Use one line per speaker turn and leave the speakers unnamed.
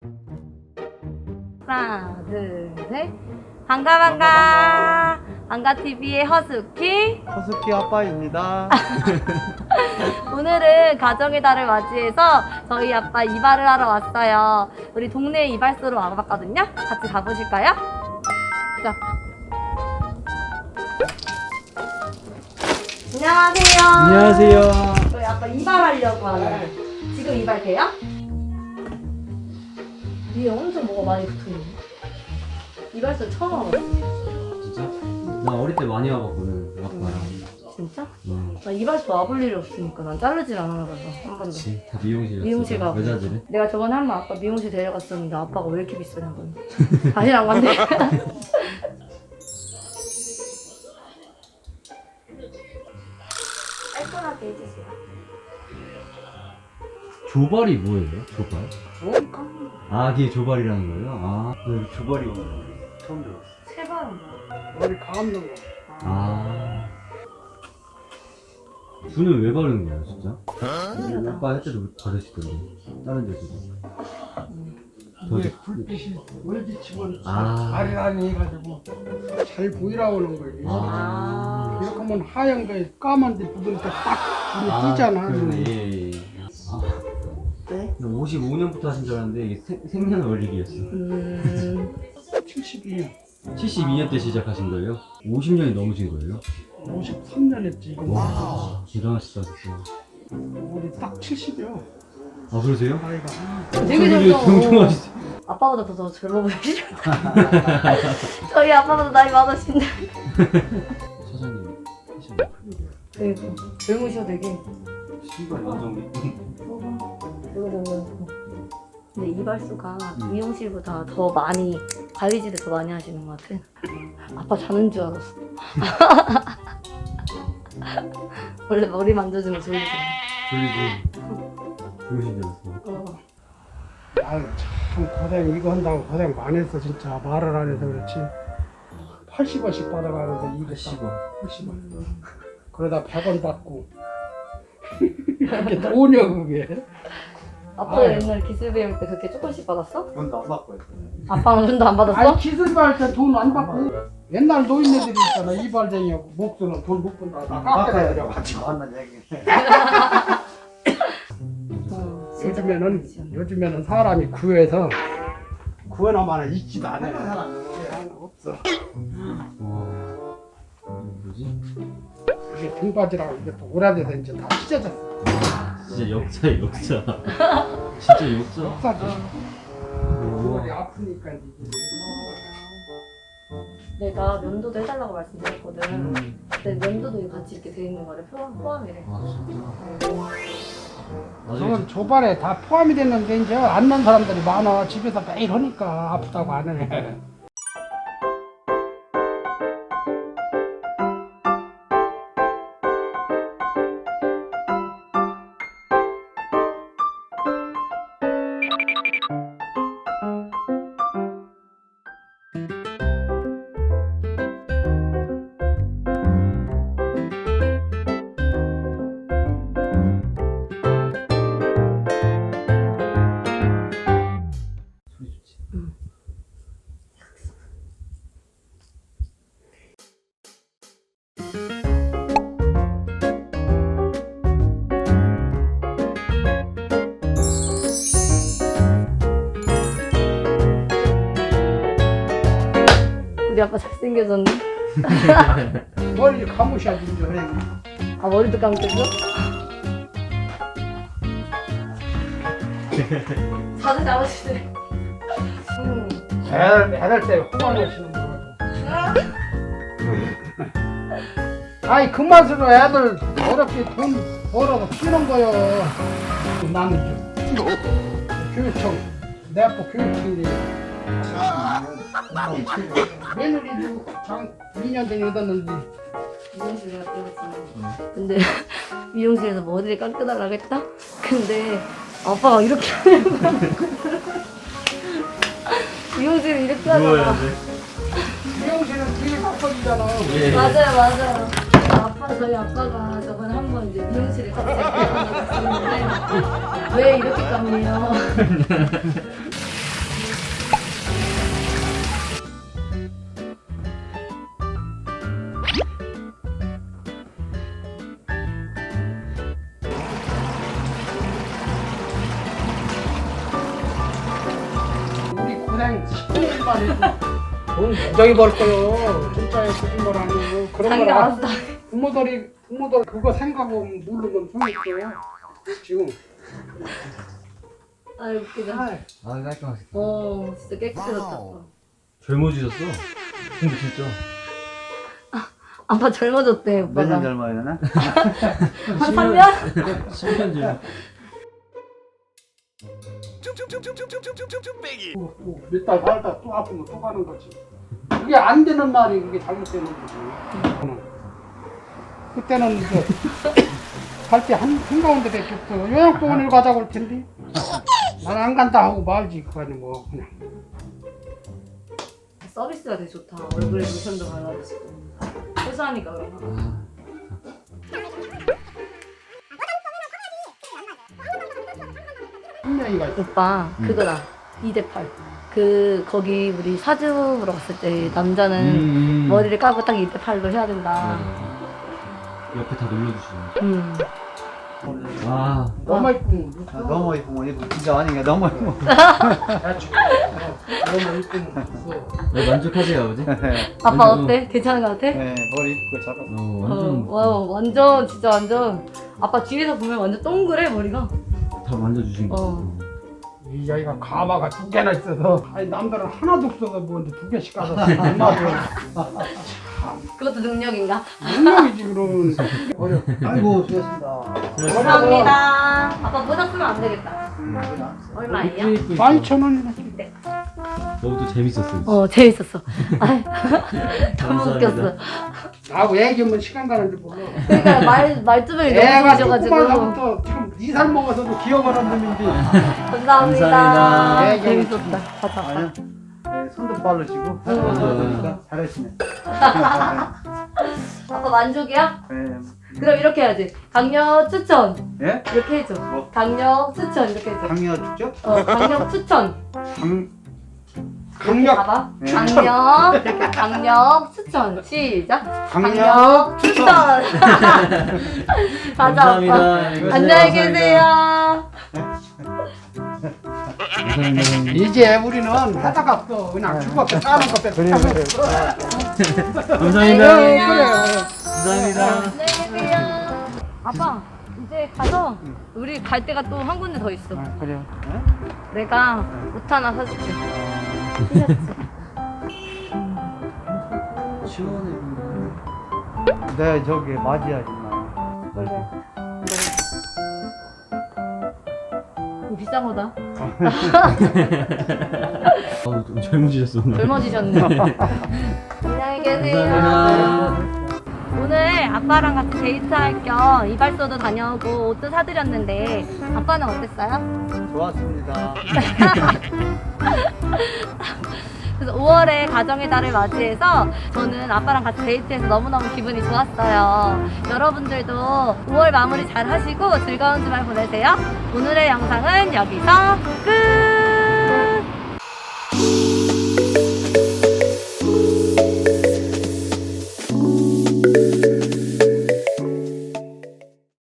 하나, 둘, 셋. 반가. 반가TV의 허스키.
허스키 아빠입니다.
오늘은 가정의 달을 맞이해서 저희 아빠 이발을 하러 왔어요. 우리 동네 이발소로 와봤거든요. 같이 가보실까요? 자. 안녕하세요.
안녕하세요.
저희 아빠 이발하려고 하는데 지금 이발 돼요? 위에 엄청 뭐가 많이 붙어있네. 이발소 처음 와봤어요.
진짜? 나 어릴 때 많이 와봤거든, 아빠랑.
진짜?
응.
나 이발소 와볼 일이 없으니까 난 자르질 않아봐서 한 번도.
그치, 다 미용실 갔어.
미용실 가고.
여자들은?
내가 저번에 한 번 아빠 미용실 데려갔었는데 아빠가 왜 이렇게 비싸냐고. 다시 안 간대. 깔끔하게 해주세요.
조발이 뭐예요? 조발? 아, 그게 조발이라는 거예요? 아, 네, 조발이 처음 들었어.
세발은 뭐야?
머리 감는 거.
아. 붓은 왜 바르는 거예요, 진짜? 아빠 할 때도 바르시던데. 다른 데서도.
이게 불빛이 물비치면
아.
아리랑이 해가지고 잘 보이라고 하는 거지.
아.
이렇게 하면 하얀 거에 까만 데 묻으니까 딱 눈이 띄잖아.
그러네. 예, 예. 아,
왜?
55년부터 하신 줄 알았는데 이게 생년월일이었어.
72년,
72년 때 시작하신 거예요? 50년이 넘으신 거예요?
53년 했지. 이거.
와, 대단하시다 진짜.
우리 딱 70이요.
아, 그러세요?
나이가.
되게
되게
젊어.
경청하시죠?
아빠보다 더 젊어 보이시죠? 저희 아빠보다 나이 많으신데.
사장님 하시는 거
그리고 젊으셔 되게.
신발 완전
근데 이발소가 미용실보다 더 많이 가위질을 더 많이 하시는 것 같아. 아빠 자는 줄 알았어. 원래 머리 만져주면 졸리잖아.
졸리지. 주무신 줄 알았어.
아유, 참 고생, 이거 한다고 고생 많이 했어, 진짜. 말을 안 해서 그렇지. 80원씩 받아가는데, 이거
80원.
80원. 그러다 100원 받고. 이게 돈이야, 그게.
아빠가
아유.
옛날에 기술 배울 때 그렇게 조금씩 받았어?
돈도 안 받고 했어.
아빠는 돈도 안 받았어?
아니, 기술할 때 돈 안 받고. 옛날 노인네들이 있잖아, 이발쟁이하고. 목수는 돈 못 번다. 나 깎아야 가지고 왔는 얘기. 요즘에는 사람이 구해서 구해놔만 있지도 않아. 없어.
와, 뭐지?
이게 등받이라고 이게 또 오래돼서 이제 다 찢어졌어.
진짜 역사야 역사. 진짜 역사.
역사지.
우와.
머리 아프니까 이제.
내가 면도도 해달라고 말씀드렸거든. 근데 면도도 같이 이렇게 돼 있는 거를 포함이래.
아, 진짜. 나중에
저건 조발에 다 포함이 됐는데 이제 안 난 사람들이 많아. 집에서 매일 하니까 아프다고 안 해.
소리 좋지.
우리 아빠 잘생겨졌네.
머리를 감으셔야지 이제.
아 머리도 감겼어? 자세 잡으시네.
애들 때 호강하시는 거. 아이 그 맛으로 애들 어렵게 돈 벌어서 키우는 거요. 나는 좀 교육청 내 아빠 교육청인데 며느리도 장 2년 전에 얻었는데
미용실에 갔다 왔지. 근데 미용실에서 머리를 깎아달라고 했다? 근데 아빠가 이렇게 하는 거야. 미용실을 이렇게 하잖아.
미용실은 뒤에 바꿔주잖아.
예.
맞아요. 저희 아빠가 저번에 한 번 이제 미용실에 같이 갔는데 왜 이렇게 깎네요?
한 10분 만에 돈 무지하게 벌 거요. 진짜에 거짓말 아니고 그런
자기가
거라.
알았어.
부모들이 그거 생각하고 모르면 소용 있어요. 지금.
아 웃기다.
아이,
아 깔끔하시다.
진짜 깨끗해졌다.
젊어지셨어. 근데 진짜.
아빠 젊어졌대
몇 년
오빠가.
젊어야 되나?
한 3년?
10년 전.
몇 달 살다 또 아프면 또 가는 거지. 그게 안 되는 말이 그게 잘못되는 거지. 그때는 갈 때 한가운데 줬어. 요양병원을 가자고 할 텐데. 난 안 간다 하고 말지. 그거는 뭐 그냥.
서비스가 되게 좋다. 얼굴에 로션도 발라주시고. 세수하니까 그런가?
분명히가 있어.
오빠 그거다. 2대8. 거기 우리 사주 보러 갔을 때 남자는 머리를 까고 딱 2대8로 해야 된다.
옆에 다 눌러주시네.
아,
너무 이쁘면
너무 이쁘면 이거 진짜 아닌가? 너무 이쁘면.
너무 이쁘면 있어.
네, 만족하세요 아버지?
아빠 어때? 괜찮은 것 같아?
네, 머리 이쁘고 잡았어.
완전
완전 진짜 완전 아빠 뒤에서 보면 완전 동그래 머리가.
다 만져주신 거.
이 아이가 가마가 2개나 있어서 아니 남들은 하나도 없어서 뭐두 개씩 가서 엄마도
그것도 능력인가?
능력이지 그러면 어려.
아이고, 수고했습니다.
감사합니다. 아빠 모자 쓰면 안 되겠다. 얼마예요?
12,000원이네.
너도 재밌었어요.
재밌었어. 아이, 너무
감사합니다.
웃겼어.
나하고 애기면 시간 가는지 몰라.
그러니까 말투를
애가
너무
조그만
좋으셔가지고.
사부터 지금 2살 먹어서도 기억하는 놈인데
감사합니다.
감사합니다.
네,
재밌었다. 가자.
아니요. 네, 손도 빠르시고.
맞아요.
잘하시네.
아빠 만족이야?
네.
그럼 이렇게 해야지. 강력 추천.
예?
이렇게 해줘.
뭐?
강력 추천 이렇게 해줘.
강력 축죠?
강력 추천.
강력
봐봐.
네.
강력 이렇게 강력 추천. 시작.
강력
추천. 가자
감사합니다.
아빠.
이거
안녕히
감사합니다.
계세요.
감사합니다.
이제 우리는 하다가 없어. 그냥 죽었게 사는 것 때문에.
감사합니다.
그래.
감사합니다.
안녕히 계세요. 아빠 이제 가서 우리 갈 데가 또 한 군데 더 있어.
그래요.
내가 옷 하나 사줄게.
시원해.
네, 저기 맞이하지 마.
그래. 이거 비싼 거다.
좀 젊어지셨어.
젊어지셨네. 안녕히 계세요.
감사합니다.
오늘 아빠랑 같이 데이트할 겸 이발소도 다녀오고 옷도 사드렸는데 아빠는 어땠어요?
좋았습니다.
그래서 5월에 가정의 달을 맞이해서 저는 아빠랑 같이 데이트해서 너무너무 기분이 좋았어요. 여러분들도 5월 마무리 잘 하시고 즐거운 주말 보내세요. 오늘의 영상은 여기서 끝!